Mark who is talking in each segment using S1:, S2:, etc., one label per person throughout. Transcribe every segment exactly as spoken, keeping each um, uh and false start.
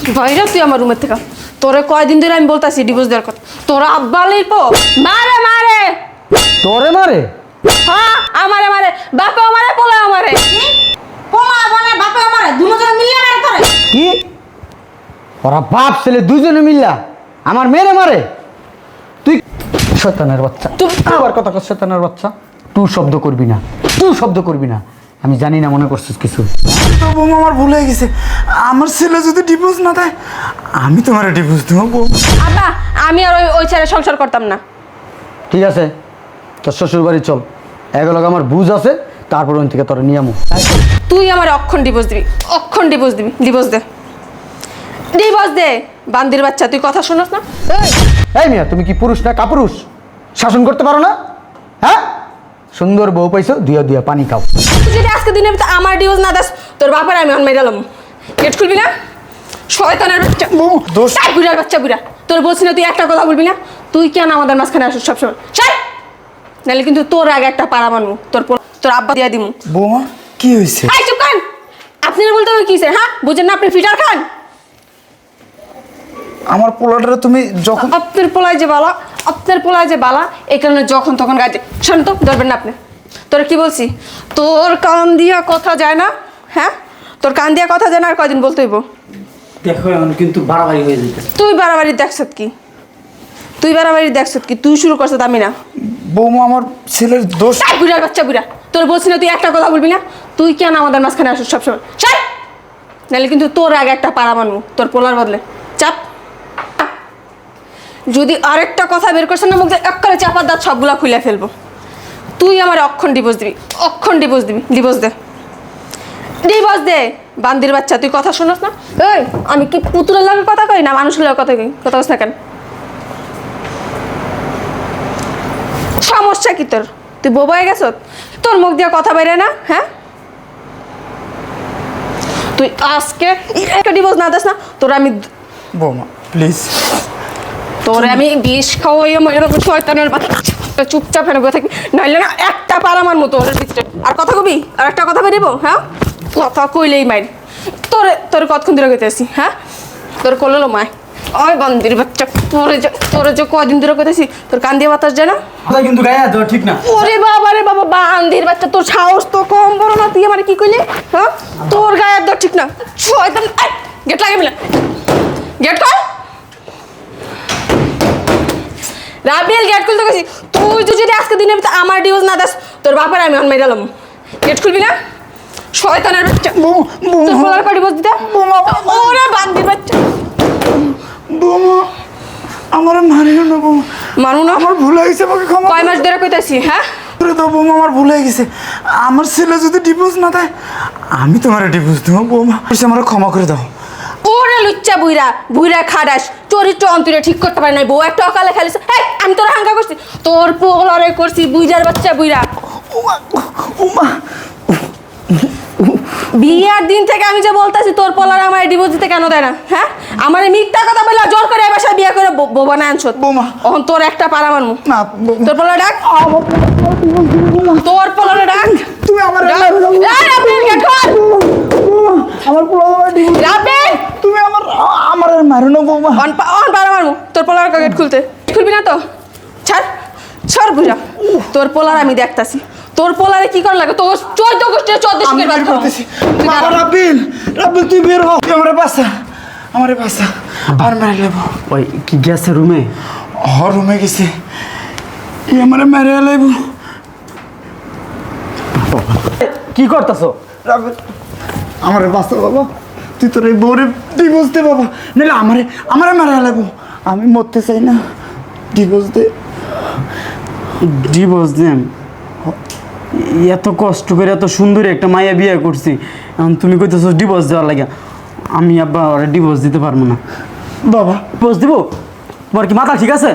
S1: বাইরে তুই আমার রুমের থেকে তোরে কয়দিন ধরে আমি বলতাছি ডিভোর্স দেওয়ার কথা তোরা আব্বা লিপো মারে মারে
S2: তোরে মারে
S1: হ্যাঁ আমারে মারে বাপে আমারে পোলা আমারে
S3: পোলা মানে বাপে আমারে দুজন মিলিয়ে মারে করে
S2: কি ওরা বাপ ছেলে দুজনে মিল্লা আমার মেরে মারে তুই শয়তানের বাচ্চা
S1: তুই
S2: আবার কথা কর শয়তানের বাচ্চা তুই শব্দ করবি না তুই শব্দ করবি না আমি জানি না মনে করছিস কিছু
S4: তো বৌমা আমার ভুল হয়ে গেছে আমার ছেলে যদি ডিভোর্স না দেয় আমি তোমার ডিভোর্স দেবো বৌমা
S1: আব্বা আমি আর ওই ওই ছেড়ে সংসার করতাম না
S2: ঠিক আছে তোর শ্বশুর বাড়ি চল এগুলো আমার বুঝ আছে তারপর ওই থেকে তোরা নিয়ামু
S1: তুই আমার অক্ষণ ডিভোর্স দিবি অক্ষণ ডিভোর্স দিবি ডিভোর্স দে ডিভোর্স দে বান্দির বাচ্চা তুই কথা শোনাস না এই
S2: এই মিয়া তুমি কি পুরুষ না কাপুরুষ শাসন করতে পারো না হ্যাঁ সুন্দর বউ পাইছো দিয়া দিয়া পানি খাও
S1: তুই যদি আজকে দিনের ভিতরে আমার ডিভোর্স না দাস তোর বাপের আমি অন মেরালাম গেট খুলবি না শয়তানের বাচ্চা
S4: দোষ
S1: তাই বুড়ার বাচ্চা বুড়া তোর বলছি না তুই একটা কথা বলবি না তুই কেন আমাদের মাঝখানে আসিস সবসময় চাই নাহলে কিন্তু তোর আগে একটা পাড়া মানবো তোর পোলা- তোর আব্বা দিয়া দিমু
S4: বৌমা কি হয়েছে
S1: এই চুপ করেন আপনি না বলতে হবে কি স্যার হ্যাঁ বুঝেন না আপনি ফিটার খান
S4: আমার পোলাটা তুমি যখন
S1: আপনার পোলায় যে বালা আপনার পোলায় যে বালা এই কারণে যখন তখন গাইতে শান্ত ধরবেন না আপনি তোর কি বলছি তোর কান দিয়া কথা যায় না হ্যাঁ তোর কান দিয়া কথা যায় না আর কয়দিন বলতে হইব
S5: দেখো এখন কিন্তু বাড়াবাড়ি হয়ে যেতে
S1: তুই বাড়াবাড়ি দেখছত কি তুই বাড়াবাড়ি দেখছত কি তুই শুরু করছত আমি না
S4: বৌমা আমার ছেলের দোষ
S1: তাই বুড়ার বাচ্চা বুড়া তোর বলছি না তুই একটা কথা বলবি না তুই কেন আমাদের মাঝখানে আসিস সবসময় চাই নাহলে কিন্তু তোর আগে একটা পাড়া মানবো তোর পোলার বদলে চাপ যদি আরেকটা কথা বের করছেন না মুখ দিয়ে এক করে চাপার দাঁত সবগুলা খুলে ফেলবো তুই আমার অক্ষণ ডিভোর্স দিবি অক্ষণ ডিভোর্স দিবি ডিভোর্স দে ডিভোর্স দে বান্দির বাচ্চা তুই কথা শোনাস না এই আমি কি পুতুলের লাগে কথা কই না মানুষের লাগে কথা কই কথা বলছ না কেন সমস্যা কি তোর তুই বোবা হয়ে গেছ তোর মুখ দিয়ে কথা বেরে না হ্যাঁ তুই আজকে একটা ডিভোর্স না দিস না তোর আমি
S4: বৌমা প্লিজ
S1: তোরে আমি বিষ খাওয়াইয়া ময়ূর শয়তানের বাচ্চা চুপচাপ ফেলে বসে থাকবি নাইলে না একটা পার আমার মতো ওর ভিতরে আর কথা কবি আর একটা কথা বেরিব হ্যাঁ কথা কইলেই মাইর তোরে তোর কতক্ষণ ধরে কইতেছি হ্যাঁ তোর করলো মায় ওই বন্দির বাচ্চা তোরে যে তোরে যে কদিন ধরে কইতেছি তোর কান দিয়ে বাতাস যায় না
S5: কথা কিন্তু গায়ে দেওয়া ঠিক না
S1: ওরে বাবা রে বাবা বান্দির বাচ্চা তোর সাহস তো কম বড় না তুই আমার কি কইলি হ্যাঁ তোর গায়ে একদম ঠিক না শয়তান গেট লাগে মিলা গেট কর রাবিল গেট খুলতে গেছি তুই তো যদি আজকে দিনের ভিতরে আমার ডিভোর্স না দাস তোর বাপের আমি অন মেরালাম গেট খুলবি না শয়তানের বাচ্চা তোর পোলার কো ডিভোর্স দিতে ওরে বান্দির বাচ্চা
S4: বৌমা আমার মারিও না বৌমা
S1: মানু না
S4: আমার ভুল হয়ে গেছে আমাকে ক্ষমা
S1: কয় মাস ধরে কইতাছি হ্যাঁ
S4: করে দাও বৌমা আমার ভুল হয়ে গেছে আমার ছেলে যদি ডিভোর্স না দেয় আমি তোমার ডিভোর্স দেবো বৌমা আমার ক্ষমা করে দাও
S1: ওরে লুচ্চা বুইরা বুইরা খাডাস চরিত্র অন্তরে ঠিক করতে পারে নাই বউ একটা অকালে খেলিস এই আমি তোর হাঙ্গা করছি তোর পোলারে করছি বুইরার বাচ্চা বুইরা
S4: উমা উমা
S1: বিয়ার দিন থেকে আমি যে বলতাছি তোর পোলারে আমার ডিভোর্স দিতে কেন দেয় না হ্যাঁ আমার মিথ্যা কথা বলে জোর করে এই বাসায় বিয়ে করে বোবা না আনছো
S4: বৌমা।
S1: এখন তোর একটা পাড়া মানমু
S4: না বৌমা,
S1: তোর পোলারে ডাক তোর পোলারে ডাক
S4: তুমি আমার
S1: ডাক। এই রাব্বিল, গেট খোল।
S4: বৌমা, আমার পোলা আমার ডিভোর্স
S1: রাব্বিল,
S4: তুমি আমার আমার আর মারো না বৌমা
S1: অন পা- অন পাড়া মারমু তোর পোলার গেট খুলতে খুলবি না তো ছাড় ছাড় বুঝা তোর পোলার আমি দেখতাছি তোর পোলারে কি কর লাগে তোর চোদ্দ গোষ্ঠীর চোদ্দ
S4: আমি
S1: শিখের বাদ
S4: বের করতেছি বাবা রাব্বিল রাব্বিল তুই বের হ তুই আমারে বাসা আমারে বাসা আর মেরে লেবো
S5: ওই কি গেছে রুমে
S4: হ রুমে গেছে ই আমারে মেরে লেবো
S5: কি করতেছো
S4: রাব্বিল আমারে বাসা বাবা তুই তোর এই বউরে ডিভোর্স দে বাবা নাহলে আমারে আমারে মেরে লেবো আমি মরতে চাই না ডিভোর্স দে
S5: ডিভোর্স দেন এত কষ্ট করে এত সুন্দর একটা মাইয়া বিয়ে করছি এখন তুমি কইতেছো ডিভোর্স দেওয়ার লাগে আমি আব্বা ওরা ডিভোর্স দিতে পারবো না
S4: বাবা
S5: ডিভোর্স দিব তোমার কি মাথা ঠিক আছে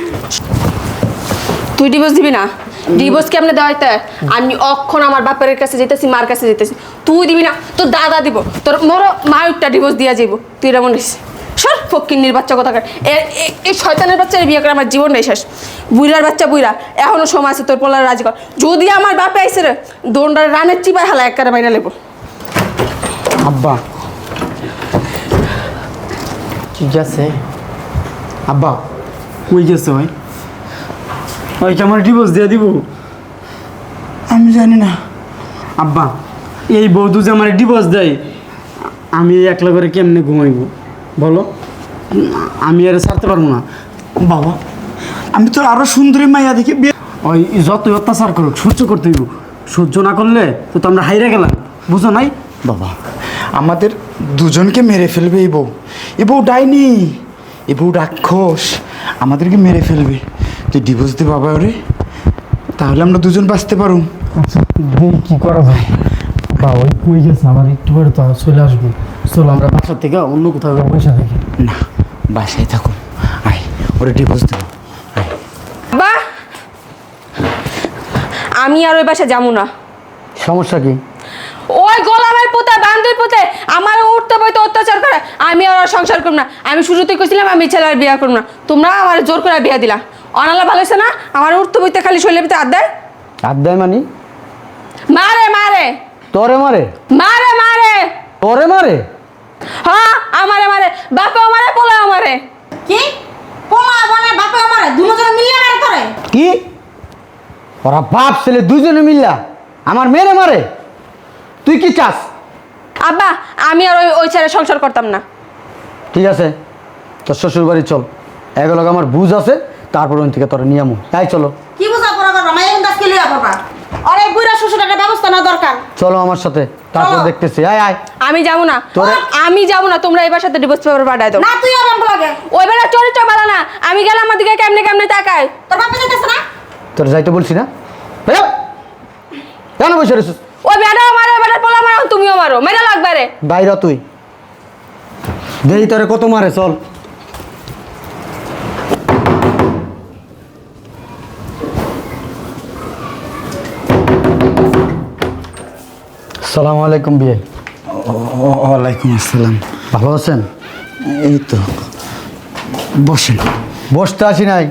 S1: তুই ডিভোর্স দিবি না ডিভোর্স কেমনে দেওয়া হইতে আমি অক্ষণ আমার বাপের কাছে যেতেছি মার কাছে যেতেছি তুই দিবি না তোর দাদা দিব তোর মোরও মা একটা ডিভোর্স দিয়া যাইব তুই এরকম নিস সর ফকিন্নির বাচ্চা কথা এই শয়তানের বাচ্চার বিয়ে করে আমার জীবন নেই শেষ বুইরার বাচ্চা বুইরা এখনো সময় আছে তোর পোলার রাজি কর যদি আমার বাপে আইসে রে দোনটার রানের চিপায় হালা এক কারে বাইনা লেবো
S5: আব্বা ঠিক আছে আব্বা কই গেছে ভাই ওই কি আমার ডিভোর্স দিয়ে দিব?
S4: আমি জানি না।
S5: আব্বা এই বৌদু যে আমার ডিভোর্স দেয় আমি এই একলা করে কেমনে ঘুমাইব বলো? আমি আর ছাড়তে পারবো না।
S4: বাবা আমি তোর আরো সুন্দরী মাইয়া দেখি বিয়ে।
S5: ওই যতই অত্যাচার করুক সহ্য করতে হইব, সহ্য না করলে তো তো আমরা হাইরা গেলাম, বুঝো নাই?
S4: বাবা আমাদের দুজনকে মেরে ফেলবে এই বউ। এই বউ ডাইনি, এই বউ রাক্ষস, আমাদেরকে মেরে ফেলবে। তুই ডিভোর্স দে বাবা ওরে, তাহলে আমরা দুজন বাঁচতে পারুম।
S5: আচ্ছা কি করা যায়? বা ওই কই গেছে আমার একটু পরে তো চলে আসবো। চলো আমরা বাসার থেকে অন্য কোথাও পয়সা দেখি।
S4: না বাসায় থাকো, আয় ওরে ডিভোর্স দেবো। আয়
S1: বা আমি আর ওই বাসা যাবো না।
S2: সমস্যা কি?
S1: ওই গোলামের পুতে বান্ধবীর পুতে আমার উঠতে বইতে অত্যাচার করে, আমি আর ওর সংসার করব না। আমি শুরুতেই কইছিলাম আমি ছেলের বিয়ে করব না, তোমরা আমার জোর করে বিয়ে দিলা। অনালা ভালো হয়েছে না? আমার উঠতে বইতে খালি শৈলের ভিতরে হাত দেয়।
S2: হাত দেয় মানি?
S1: মারে মারে
S2: তোরে মারে?
S1: মারে মারে
S2: তোরে মারে?
S1: হ্যাঁ আমারে মারে, বাপেও মারে পোলাও মারে।
S3: কি পোলা বনে বাপে আমারে দুজন মিলিয়ে মারে তোরে?
S2: কি ওরা বাপ ছেলে দুজনে মিল্লা আমার মেরে মারে? তুই কি চাস?
S1: আব্বা আমি আর ওই ওই ছেলে সংসার করতাম না।
S2: ঠিক আছে তোর শ্বশুর বাড়ি চল, এগুলো আমার বুঝ আছে, তারপর ওই থেকে তোরা নিয়ে আমু। তাই চলো
S3: কি বুঝা পড়া করবা মাইয়া কিন্তু আজকে লিয়া করবা। আর এই বুইরা শ্বশুরের একটা ব্যবস্থা না দরকার।
S2: চলো আমার সাথে, তারপর
S3: চলো।
S2: দেখতেছি। আয় আয়
S1: আমি যাবো না,
S2: তোরে-
S1: আমি যাবো না। তোমরা এবার সাথে ডিভোর্স পেপার পাঠায় দাও।
S3: না তুই আমার লাগে
S1: ওই বেলা চরিত্র ভালো না, আমি গেলাম আমার দিকে কেমনে কেমনে তাকায়।
S3: তোর বাপে যেতেছে না?
S2: তোর যাইতে বলছি না? বেরো। কেন বসে রয়েছিস?
S1: ওই বেটাও মারো, ওই বেটার পোলা মারো, তুমিও মারো, মেয়েটা লাগবে রে।
S2: বাইরে তুই দেই তোরে কত মারে, চল। সালাম আলাইকুম বিয়ে।
S4: ওয়ালাইকুম আসসালাম।
S2: ভালো আছেন?
S4: এই তো বসেন।
S2: বসতে আসি নাই।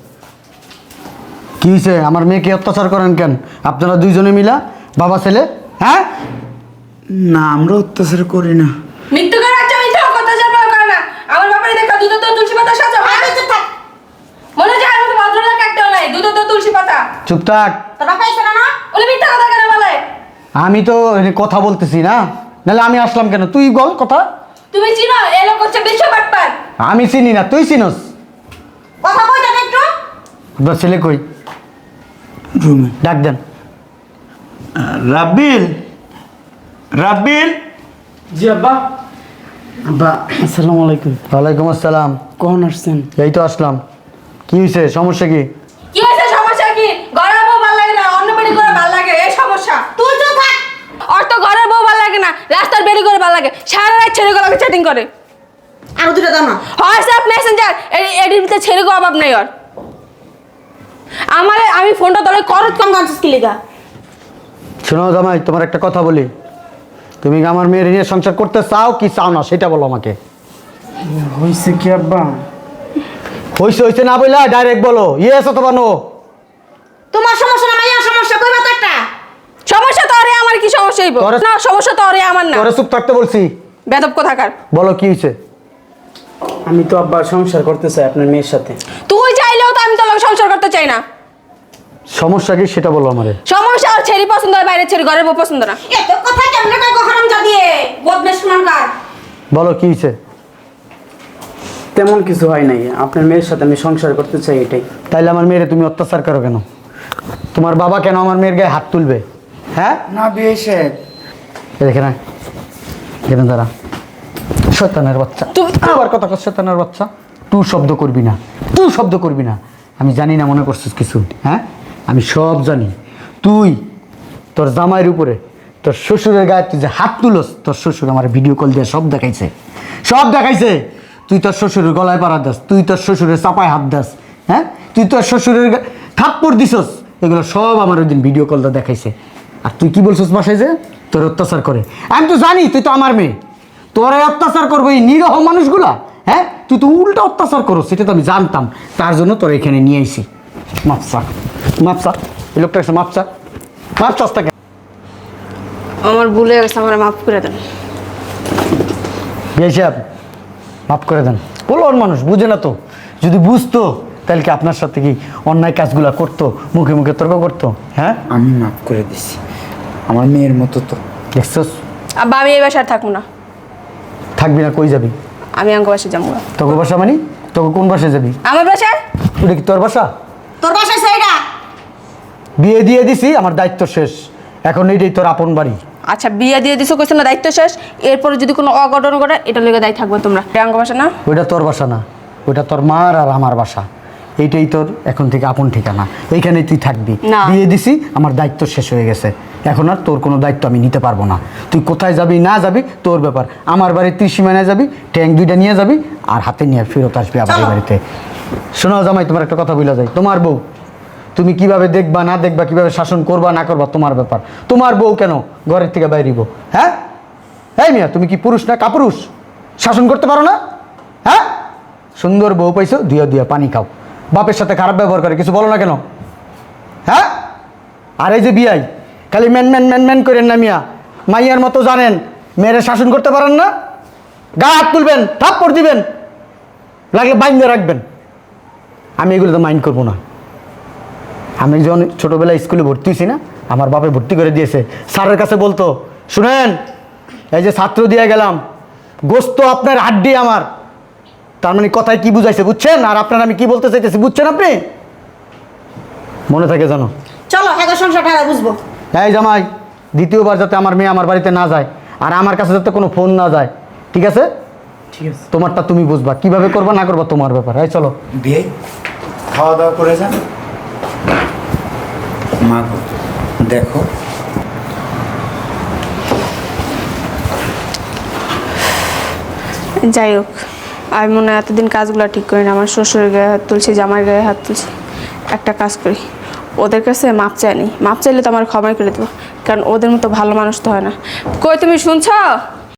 S2: কি হয়েছে? আমার মেয়েকে অত্যাচার করেন কেন আপনারা দুইজনে মিলা, বাবা ছেলে? হ্যাঁ
S4: না আমরা অত্যাচার করি না।
S1: মৃত্যু করে একটা মিথ্যা কথা যা করে না। আমার ব্যাপারে দেখা দুধ তো তুলসী পাতা সাজা হয়।
S3: আমি চুপ থাক।
S1: মনে যায় আমার ভদ্রলোক একটা নাই, দুধ তো তুলসী পাতা।
S2: চুপ থাক।
S3: তোর বাপে আইছে না? না
S1: ওলে মিথ্যা কথা কেন বলে?
S2: আমি তো এখানে কথা বলতেছি না, নাহলে আমি আসলাম কেন? তুই বল কথা।
S1: তুমি চিনো এ লোক হচ্ছে বিশ্ব বাটপার।
S2: আমি চিনি না, তুই চিনস?
S3: কথা কই দেখ একটু।
S2: আপনার ছেলে কই?
S4: রুমে।
S2: ডাক দেন।
S4: রাব্বিল, রাব্বিল।
S5: জি আব্বা। আব্বা আসসালামু আলাইকুম।
S2: ওয়ালাইকুম আসসালাম।
S5: কখন আসছেন?
S2: এই তো আসলাম। কি হয়েছে? সমস্যা কি?
S1: কি হয়েছে? সমস্যা কি? ঘরের বউ ভালো লাগে না, অন্য বাড়ি করে ভালো লাগে, এই সমস্যা।
S3: তুই চুপ থাক।
S1: ওর তো ঘরের বউ ভালো লাগে না, রাস্তার বেরি করে ভালো লাগে, সারা রাত ছেলেগুলোকে চ্যাটিং করে।
S3: আরো দুটো দাও না।
S1: হোয়াটসঅ্যাপ মেসেঞ্জার এডির ভিতরে ছেলেকে অভাব নাই ওর। আমার আমি ফোনটা তোলে করত
S3: কম গান কি লিগা?
S2: শোনো জামাই, তোমার একটা কথা বলি। তুমি কি আমার মেয়ের নিয়ে সংসার করতে চাও কি চাও না সেটা বলো আমাকে।
S5: হয়েছে কি আব্বা?
S2: হইছে হইছে না বললা ডাইরেক্ট বলো, ইয়েস অথবা নো।
S3: তোমার সমস্যা না মাইয়া সমস্যা কইবা তো একটা।
S1: সমস্যা তো আরে আমার কি সমস্যা হইব?
S2: তোরে-
S1: না সমস্যা তো আরে আমার না।
S2: তোরে চুপ থাকতে বলছি।
S1: বেদব কোথাকার।
S2: বলো কি হয়েছে?
S5: আমি তো আব্বা সংসার করতে চাই আপনার মেয়ের সাথে।
S1: তুই চাইলেও তো আমি তোর লগে সংসার করতে চাই না।
S2: সমস্যা কি সেটা বলো আমারে।
S1: সমস্যা ওর ছেলে পছন্দ হয়, বাইরের ছেলে, ঘরের বউ পছন্দ না।
S3: এত কথা কেমনে কই গো হারাম জাদিয়ে? বদমেশ শুনানকার।
S2: বলো কি হয়েছে?
S5: তেমন কিছু হয় নাই, আপনার মেয়ের সাথে আমি সংসার করতে চাই এটাই।
S2: তাইলে আমার মেয়েরে তুমি অত্যাচার করো কেন? তোমার বাবা কেন আমার মেয়ের গায়ে হাত তুলবে? হ্যাঁ
S4: না বিয়ে সাহেব।
S2: এই দেখে না, এখানে দাঁড়া। শয়তানের বাচ্চা,
S1: তুই-
S2: আবার কথা কর। শয়তানের বাচ্চা, টু শব্দ করবি না, টু শব্দ করবি না। আমি জানি না মনে করছিস কিছু, হ্যাঁ আমি সব জানি। তুই তোর জামাইয়ের উপরে তোর শ্বশুরের গায়ে তুই যে হাত তুলস, তোর শ্বশুর আমার ভিডিও কল দিয়ে সব দেখাইছে, সব দেখাইছে। তুই তোর শ্বশুরের গলায় পাড়া দাস, তুই তোর শ্বশুরের চাপায় হাত দাস, হ্যাঁ তুই তোর শ্বশুরের গা- থাপ্পড় দিছস, এগুলো সব আমার ওই দিন ভিডিও কলটা দেখাইছে। আর তুই কি বলছিস বাসায় যে তোর অত্যাচার করে? আমি তো জানি তুই তো আমার মেয়ে, তোরে অত্যাচার করবো এই নিরহ মানুষগুলা। হ্যাঁ তুই তো উল্টা অত্যাচার করো, সেটা তো আমি জানতাম, তার জন্য তোর এখানে নিয়ে আইছি। মাপসা মাপসা, এই লোকটা এসে মাপসা মাপসাস তাকে।
S1: আমার ভুলে গেছে, আমার মাফ করে দেন।
S2: বিয়ে সাহেব মাফ করে দেন। পোলন মানুষ বুঝে না তো, যদি বুঝতো তাহলে কি আপনার সাথে কি অন্যায় কাজগুলা করতো, মুখে মুখে তর্ক করতো? হ্যাঁ,
S4: আমি মাফ করে দিছি, আমার মেয়ের মতো তো।
S2: দেখছস?
S1: আব্বা আমি এই বাসায় আর থাকবো না,
S2: থাকবি না, কই যাবি?
S1: আমি অঙ্গ বাসায় যাবো না।
S2: তোকে বাসা মানে তোকে কোন বাসায় যাবি?
S1: আমার বাসায়?
S2: ওটা কি তোর বাসা?
S3: তোর বাসায় সেইটা
S2: বিয়ে দিয়ে দিছি, আমার দায়িত্ব শেষ, এখন এইটাই তোর আপন বাড়ি।
S1: আচ্ছা বিয়ে দিয়ে দিছো, কইছো না দায়িত্ব শেষ, এরপরে যদি কোনো অঘটন ঘটে এটা লেগে দায়ী থাকবে তোমরা। এটা অঙ্গ বাসা না?
S2: ওইটা তোর বাসা না, ওইটা তোর মার আর আমার বাসা, এইটাই তোর এখন থেকে আপন ঠিকানা, এইখানেই তুই থাকবি।
S1: না।
S2: বিয়ে দিছি, আমার দায়িত্ব শেষ হয়ে গেছে, এখন আর তোর কোনো দায়িত্ব আমি নিতে পারবো না। তুই কোথায় যাবি না যাবি তোর ব্যাপার, আমার বাড়ির ত্রিসীমানায় যাবি, ট্যাঙ্ক দুইটা নিয়ে যাবি আর হাতে নিয়ে ফেরত আসবি আবার এই বাড়িতে। শোনো জামাই, তোমার একটা কথা বলা যায়, তোমার বউ, তুমি কিভাবে দেখবা না দেখবা, কিভাবে শাসন করবা না করবা তোমার ব্যাপার। তোমার বউ কেন ঘরের থেকে বাইরিব? হ্যাঁ, এই মিয়া তুমি কি পুরুষ না কাপুরুষ? শাসন করতে পারো না? হ্যাঁ, সুন্দর বউ পাইছো, দিয়া দিয়া পানি খাও, বাপের সাথে খারাপ ব্যবহার করে কিছু বলো না কেন? হ্যাঁ, আর এই যে বিয়াই খালি ম্যান ম্যান ম্যান ম্যান করেন না মিয়া, মাইয়ার মতো জানেন মেয়েরা শাসন করতে পারেন না, গা হাত তুলবেন, থাপ্পড় দিবেন, লাগলে বাইন্দে রাখবেন। আমি এগুলো তো মাইন্ড করবো না। আমি যখন ছোটোবেলায় স্কুলে ভর্তি হয়েছি না, আমার বাপে ভর্তি করে দিয়েছে, স্যারের কাছে বলতো, শুনেন এই যে ছাত্র দিয়ে গেলাম, গোস্ত আপনার হাড্ডি আমার, তার মানে কথায় কি বুঝাইছে বুঝছেন? আর আপনার আমি কি বলতে চাইতেছি বুঝছেন আপনি? মনে থাকে জানো?
S3: চলো হ্যাঁ সংসার ঠাড়া বুঝবো।
S2: এই জামাই, দ্বিতীয়বার যাতে আমার মেয়ে আমার বাড়িতে না যায়, আর আমার কাছে যাতে কোনো ফোন না যায়, ঠিক আছে?
S5: ঠিক আছে।
S2: তোমারটা তুমি বুঝবা, কিভাবে করবা না করবা তোমার ব্যাপার। এই চলো।
S4: বিয়ে খাওয়া দাওয়া করে যান। মা গো, দেখো
S1: যাই হোক, আমি মনে হয় এতদিন কাজগুলো ঠিক করি না, আমার শ্বশুরের গায়ে হাত তুলছি, জামার গায়ে হাত তুলছি। একটা কাজ করি, ওদের কাছে মাপ চাই নি, মাপ চাইলে তো আমার ক্ষমাই করে দেবো, কারণ ওদের মতো ভালো মানুষ তো হয় না। কই তুমি শুনছো?